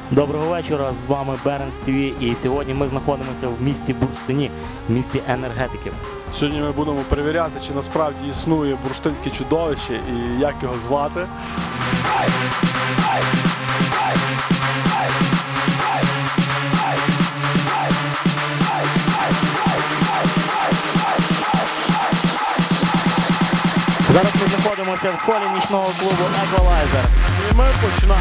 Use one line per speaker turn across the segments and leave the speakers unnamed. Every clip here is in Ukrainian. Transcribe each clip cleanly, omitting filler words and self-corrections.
Доброго вечора, з вами Беренс ТВ, і сьогодні ми знаходимося в місті Бурштині, в місті енергетиків.
Сьогодні ми будемо перевіряти, чи насправді існує бурштинське чудовище і як його звати.
Зараз ми знаходимося в холі нічного клубу Еквалайзер.
І ми починаємо.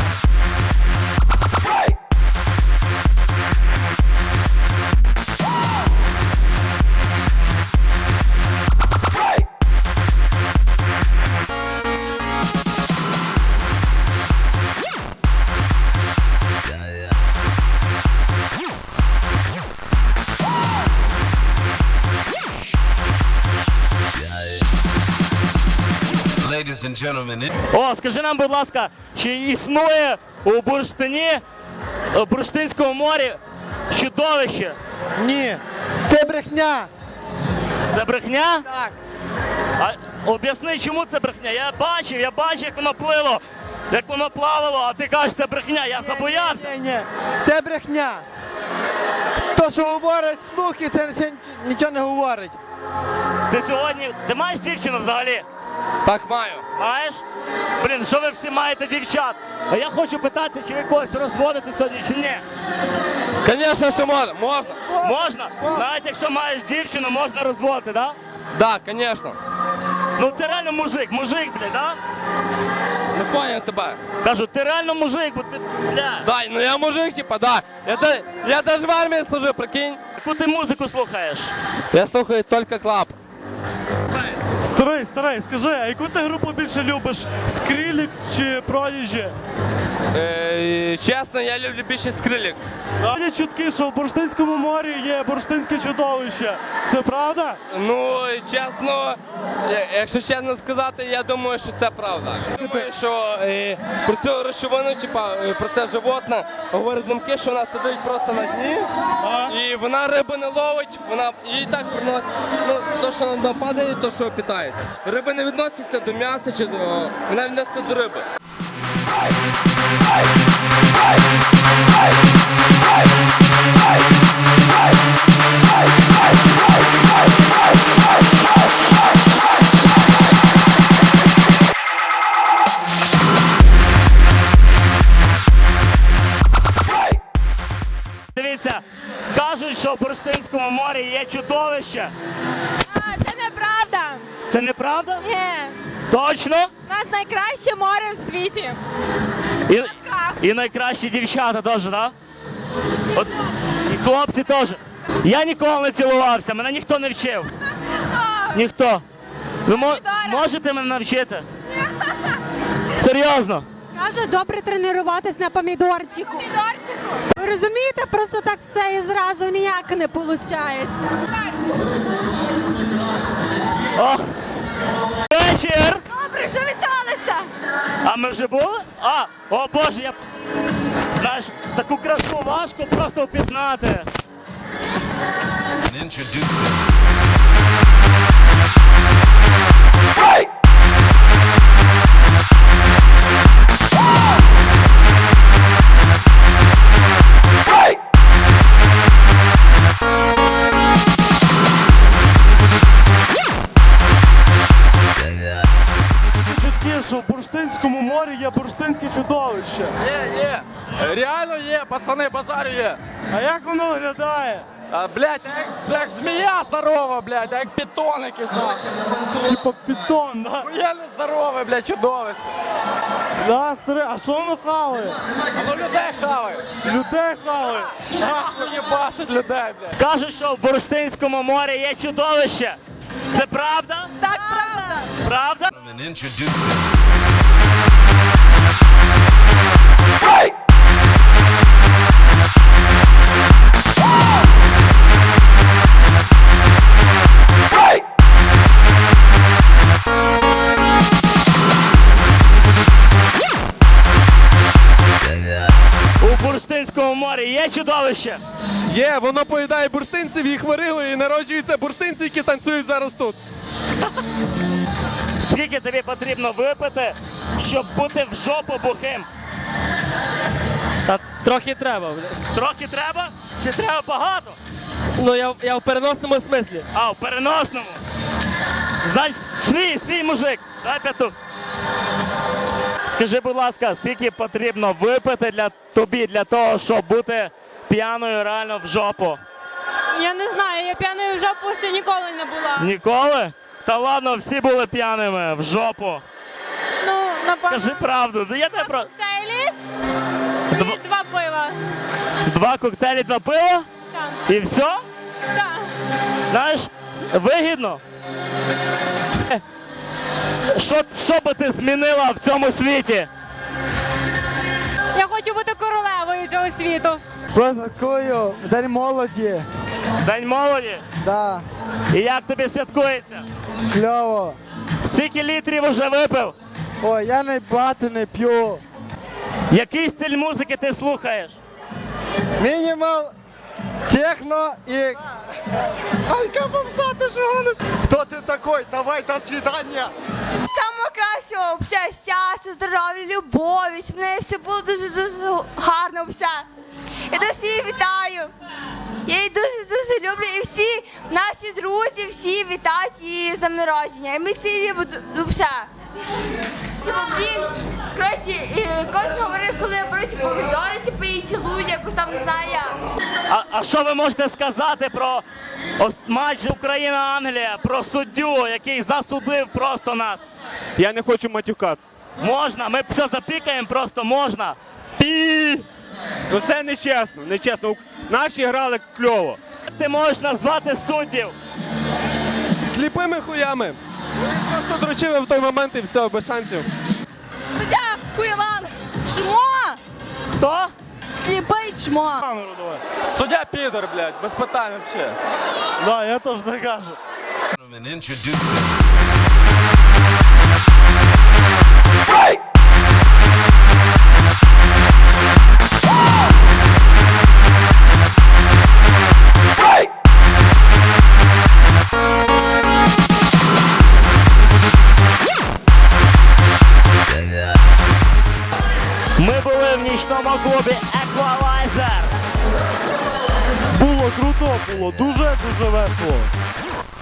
Ladies and gentlemen,
О, скажи нам, будь ласка, чи існує у Бурштині, у Бурштинському морі чудовище?
Ні, це брехня.
Це брехня?
Так.
А об'ясни, чому це брехня? Я бачив, як воно плило, як воно плавало, а ти кажеш, це брехня. Я забоявся.
Ні, це брехня. То, що говорять слухи, це ще нічого не говорить.
Ти маєш дівчину взагалі?
Так маю.
Маєш? Блін, що ви всі маєте дівчат? А я хочу питатися, чи ви когось розводите сьогодні, чи ні?
Звісно, що можна. Можна.
Можна? Навіть якщо маєш дівчину, можна розводити, так?
Так, звісно.
Ну це реально мужик, блін, да?
Не поняв тебе.
Кажу, ти реально мужик, бо ти, бля.
Дай, ну я мужик, типа, да. Я даже в армії служив, прикинь.
Яку ти музику слухаєш?
Я слухаю тільки клаб.
Старий, скажи, а яку ти групу більше любиш? Скрилікс чи Продіджі?
Чесно, я люблю більше Скрилікс.
Є чутки, що в Бурштинському морі є бурштинське чудовище. Це правда?
Ну, чесно, якщо чесно сказати, я думаю, що це правда. Я думаю, що про цю речовину, типа, про це животне, говорять думки, що вона сидить просто на дні, і вона риби не ловить, вона їй так приносить, ну, то, що вона падає, то, що питається. Риби не відносяться до м'яса, чи до... вона відноситься до риби.
Дивіться, кажуть, що в Бурштинському морі є чудовище.
Це неправда.
Це неправда?
Ні.
Точно?
У нас найкраще море в світі.
І найкращі дівчата теж, так? От, і хлопці теж. Я ніколи не цілувався, мене ніхто не вчив. Ніхто. Ви можете мене навчити? Серйозно?
Кажу, добре тренуватись на помідорчику.
Помідорчику.
Ви розумієте, просто так все і зразу ніяк не виходить.
Ох! Вечір!
Добре, вже віталися.
А ми вже були? О Боже, я... Знаєш, таку красу важко просто впізнати.
introducing
Чутки, що в Бурштинському морі є бурштинське чудовище.
Є. Реально є, пацани, базарю є.
А як воно виглядає?
Блядь, як змія здорова, блядь, як питон якийсь нахуй.
Типа питон, да?
Я не здоровий, блядь, чудовисько.
Да, старий, а що воно хаває?
Ну людей хавають.
Людей хаває.
Нахуй їбашить людей, блядь.
Кажуть, що в Бурштинському морі є чудовище. Це правда?
Так, правда.
Правда?
and introducing
У Бурштинському морі є чудовище?
Є, воно поїдає бурштинців, їх варили і народжуються бурштинці, які танцюють зараз тут.
Скільки тобі потрібно випити, щоб бути в жопу бухим? Та
Трохи треба.
Трохи треба? Чи треба багато?
Ну я в переносному смислі.
А, в переносному. Значить, свій мужик. Дай п'яту. Скажи, будь ласка, скільки потрібно випити для того, щоб бути п'яною реально в жопу?
Я не знаю, я п'яною в жопу ще ніколи не була.
Ніколи? Та ладно, всі були п'яними в жопу.
Ну, напевно,
Кажи правду. Я тебе про...
коктейлі
Дв-
і 2 пива.
2 коктейлі за пиво?
Так,
І все?
так.
Знаєш, вигідно. Що би ти змінила в цьому світі?
Я хочу бути королевою цього світу.
Святкую День молоді.
День молоді.
Да,
І як тобі святкується?
кльово.
Скільки літрів уже випив?
Ой, я багато не п'ю.
Який стиль музики ти слухаєш?
Мінімал, техно і... Ай, капавса, ти ж гониш? Хто ти такой? Давай, до свидання.
Самого кращого, все, щастя, здоров'я, любові, щоб в неї все було дуже-дуже гарно, все. Я дуже її вітаю. Я її дуже-дуже люблю. І всі наші друзі, всі вітають її з днем народження. І ми всі її все. Типу, блін, коротше, кожен говорить, коли беруть помідори, типу, її цілують, якось там, не знаю як.
А що ви можете сказати про матч Україна-Англія, про суддю, який засудив просто нас?
Я не хочу матюкатися.
Можна, ми все запікаємо, просто можна.
Ну це нечесно, нечесно. Наші грали кльово.
Ти можеш назвати суддів.
Сліпими хуями. Просто дрочили в той момент і все, без шансів.
Суддя, хуйлан, чмо,
Хто?
сліпий чмо.
Суддя підер, блядь, без питань взагалі.
Да, я теж так кажу.
Gentlemen, introducing
Ми були в нічному клубі Equalizer.
Було круто, було дуже-дуже весело.